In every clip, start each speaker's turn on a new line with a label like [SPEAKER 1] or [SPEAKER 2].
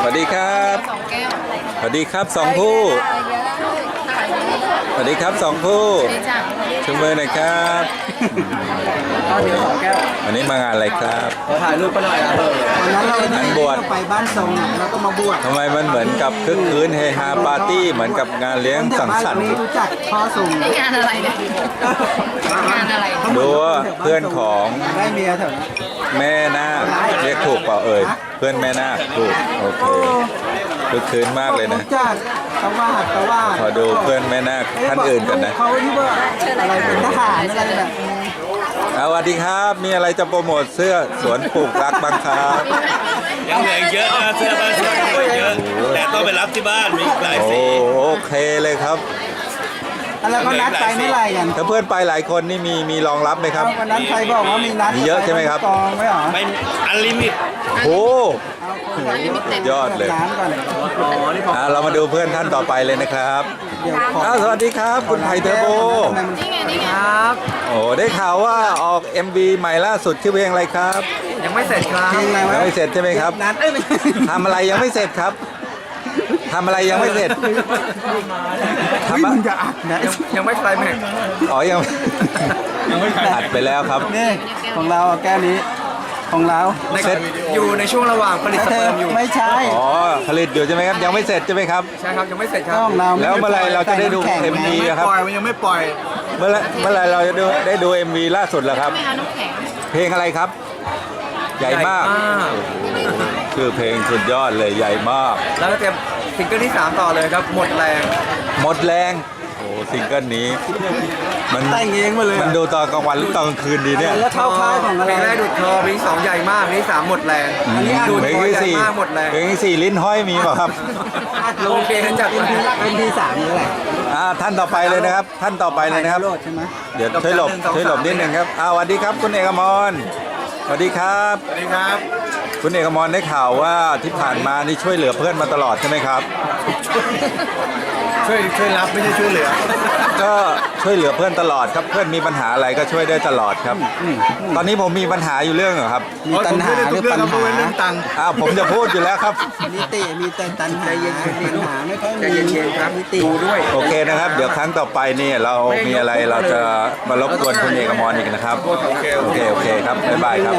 [SPEAKER 1] วัสดีครับสวัสดีครับสองผู้สวัสดีครับสองผู้ชูมือหน่อยครับวันนี้มางานอะไรครับ
[SPEAKER 2] ถ่ายรูปก็หน่อยนะวันนั้นเรา
[SPEAKER 1] บวช
[SPEAKER 2] ไปบ้านทรงแล้วก็มาบวช
[SPEAKER 1] ทำไมมันเหมือนกับคึกคืนเฮฮาปาร์ตี้เหมือนกับงานเลี้ยงสังสรรค์
[SPEAKER 2] รู้จักพ่อทรง
[SPEAKER 3] งานอะไรเนี่ยงานอะไร
[SPEAKER 1] ดูว่าเพื่อนของ
[SPEAKER 2] ได้เมียเถอะ
[SPEAKER 1] แม่นาคเรียกถูกเปล่าเอ่ยเพื่อนแม่นาคถูกโอเคคึกคืนมากเลยนะขอดูเพื่อนแม่นาคท่านอื่นกันนะ
[SPEAKER 2] เขาที่ว่าอะไรเป็นทหารอะไรแบบ
[SPEAKER 1] สวัสดีครับมีอะไรจะโปรโมทเสื้อสวนปลูกรักบ้างครับ
[SPEAKER 4] ยังเหลือเยอะนะเสื้อบ้านเสื้อเยอะแต่ต้องไปรับที่บ้านมีหลายสี
[SPEAKER 1] โอเคเลยครับ
[SPEAKER 2] แล้วก็นัดไปเมื่อไหร่กัน
[SPEAKER 1] ถ้าเพื่อนไปหลายคนนี่มีรองรับไหมครับ
[SPEAKER 2] วันนั้นใครบอกว่ามีนัด
[SPEAKER 1] เยอะใช่ไหมครับ
[SPEAKER 2] กองไว้หรอ
[SPEAKER 4] ไม่อันลิมิต
[SPEAKER 1] โอ้ยอดเลยเรามาดูเพื่อนท่านต่อไปเลยนะครับสวัสดีครับคุณไผ่เทอร์โบ
[SPEAKER 3] นี่
[SPEAKER 2] ครับ
[SPEAKER 1] โอ้ได้ข่าวว่าออก MV ใหม่ล่าสุดชื่อเพลงอะไรครับ
[SPEAKER 2] ยังไม่เสร็จครับ
[SPEAKER 1] ยังไม่เสร็จใช่ไหมครับทำอะไรยังไม่เสร็จครับทำอะไรยังไม่เสร็จ
[SPEAKER 2] ทำมันจะอัดนะยังไม่ใครแม่
[SPEAKER 1] อ๋อยังอัดไปแล้วครับ
[SPEAKER 2] นี่ของเราแก้นี้ของเรา
[SPEAKER 1] เสร็จ
[SPEAKER 2] อยู่ในช่วงระหว่างผลิตสเปิร์มอยู่ไม่ใช่
[SPEAKER 1] อ๋อผลิตอยู่ใช่ไหมครับยังไม่เสร็จใช่ไหมครับ
[SPEAKER 2] ใช่ครับยังไม่เสร็จครับ
[SPEAKER 1] แล้วเมื่อไรเราจะได้ดู MV ครับ
[SPEAKER 2] มันยังไม่ปล่อย
[SPEAKER 1] เมื่อไรเราจะได้ดู MV ล่าสุดแล้วครับเพลงอะไรครับใหญ่มากชื่อเพลงสุดยอดเลยใหญ่มาก
[SPEAKER 2] แล้วก็เตรียมซิงเกิลที่3ต่อเลยครับหมดแรง
[SPEAKER 1] โอ้ซิงเกิลนี้มัน
[SPEAKER 2] แต่งเองมาเลย
[SPEAKER 1] มันดูตอนกลางวันหรือตอนกลางคืนดีเนี่ย
[SPEAKER 2] แล้วเท่าค่ายของอะไรเพลงแรกดูดคอเพลง2ใหญ่มากเพลง3หมดแรง
[SPEAKER 1] อันนี้ดูเพลงที่4เพลงที่4ลิ้นห้อยมีเปล่าครับ
[SPEAKER 2] ลงเพลงจากเป็นที่3นี่แหละ
[SPEAKER 1] ท่านต่อไปเลยนะครับท่านต่อไปเลยนะครับเดี๋ยวช่วยหลบนิดนึงครับสวัสดีครับคุณเอกมรสวัสดีครับ
[SPEAKER 4] สวัสดีครับ
[SPEAKER 1] คุณเอกมรได้ข่าวว่าที่ผ่านมานี่ช่วยเหลือเพื่อนมาตลอดใช่ไหมครับ
[SPEAKER 4] ช่วยรับไม่ใช่ช่วยเหลือ
[SPEAKER 1] ก็ช่วยเหลือเพื่อนตลอดครับเพื่อนมีปัญหาอะไรก็ช่วยได้ตลอดครับตอนนี้ผมมีปัญหาอยู่เรื่องเหรอครับ
[SPEAKER 2] มีปัญหาหรือปัญหา
[SPEAKER 4] เรื่องตังค์
[SPEAKER 1] ผมจะพูดอยู่แล้วครับ
[SPEAKER 2] นิติมีแต่ปัญหาปัญหาไม่ค่อยมีครับนิติดูด้วย
[SPEAKER 1] โอเคนะครับเดี๋ยวครั้งต่อไปนี่เรามีอะไรเราจะมารบกวนคุณเอกมรอีกนะครับโอเคครับบ๊ายบายครับ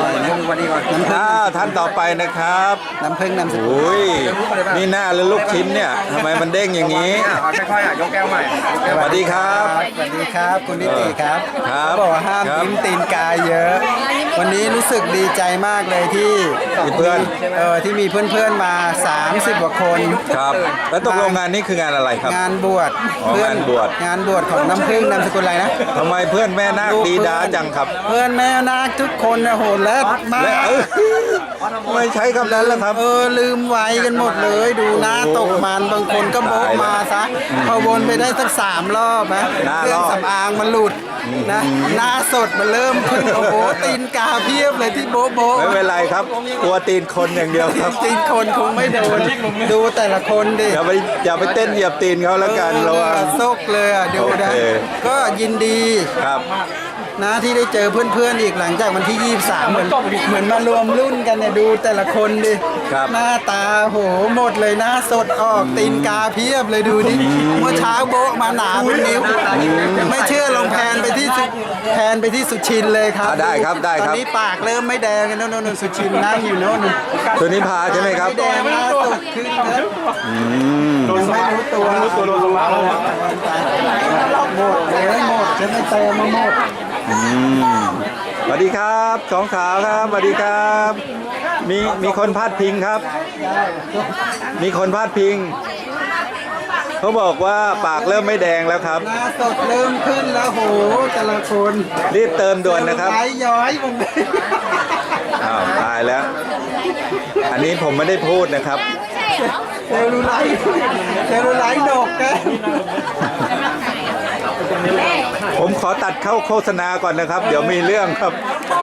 [SPEAKER 1] ท่านต่อไปนะครับ
[SPEAKER 2] น้ำผึ้งน้ำสกุล
[SPEAKER 1] นี่หน้าหรือลูกชิ้นเนี่ยทำไมมันเด้งอย่างนี้
[SPEAKER 4] ค่อยๆยกแก้วใหม่
[SPEAKER 1] สวัสดีครับ
[SPEAKER 2] สวัสดีครับคุณนิติครับบอกห้ามยิ้มตีนกายเยอะวันนี้รู้สึกดีใจมากเลยที่
[SPEAKER 1] เพื่อน
[SPEAKER 2] ที่มีเพื่อนๆมา30กว่าคน
[SPEAKER 1] ครับแล้วตกลงงานนี้คืองานอะไรครับ
[SPEAKER 2] งานบวช
[SPEAKER 1] งานบ
[SPEAKER 2] วชของน้ำผึ้งนามสกุลอะไรนะ
[SPEAKER 1] ทำไมเพื่อนแม่นาคดีดาจังครับ
[SPEAKER 2] เพื่อนแม่นาคทุกคนนะโหดเลิศมาก
[SPEAKER 1] ไม่ใช้คำนั้นแล้วครับ
[SPEAKER 2] ลืมไว้กันหมดเลยดูหน้าตกมันบางคนก็โบกมาซะพอวนไปได้สัก3 รอบนะเครื่องสำอางมันหลุดนะหน้าสดมันเริ่มขึ้นโอ้โหตีนกาเพียบเลยที่โบ
[SPEAKER 1] ไม่เป็นไรครับกลัวตีนคนอย่างเดียวครับ
[SPEAKER 2] ตีนคนคงไม่โดนดูแต่ละคนดิ
[SPEAKER 1] อย่าไปเต้นเหยียบตีนเขาแล้วกันเรา
[SPEAKER 2] ซกเลยดูนะก็ยินดี
[SPEAKER 1] ครับ
[SPEAKER 2] นะที่ได้เจอเพื่อนๆอีกหลังจากวันที่23เหมือนมารวมรุ่นกันเนี่ยดูแต่ละคนดิหน้าตาโหหมดเลยหน้าสดออกตีนกาเพียบเลยดูดิเมื่อเช้าโบะมาหนาเป็นนิ้วไม่เชื่อลองแพนไปที่สุชินเลยครับ
[SPEAKER 1] ได้ครับ
[SPEAKER 2] ตอนนี้ปากเริ่มไม่แดงกันโน่นสุชินนั่งอยู่โน่น
[SPEAKER 1] ตัวนี้พาใช่ไหมครับ
[SPEAKER 2] ไม่แดงหน้าสดขึ้นนะไม่รู้ตัวลงมาแล้วหมดจะไม่เติมมาหมด
[SPEAKER 1] สวัสดีครับสองสาวครับสวัสดีครับมีคนพาดพิงครับมีคนพาดพิงเขาบอกว่าปากเริ่มไม่แดงแล้วครับ
[SPEAKER 2] หน้าสดเริ่มขึ้นแล้วโหแต่ละคน
[SPEAKER 1] รีบเติมด่วนนะครับ
[SPEAKER 2] ย้อยมึง
[SPEAKER 1] ตายแล้วอันนี้ผมไม่ได้พูดนะครับ
[SPEAKER 2] เซลลูไลท์ดกนะ
[SPEAKER 1] ผมขอตัดเข้าโฆษณาก่อนนะครับเดี๋ยวมีเรื่องครับ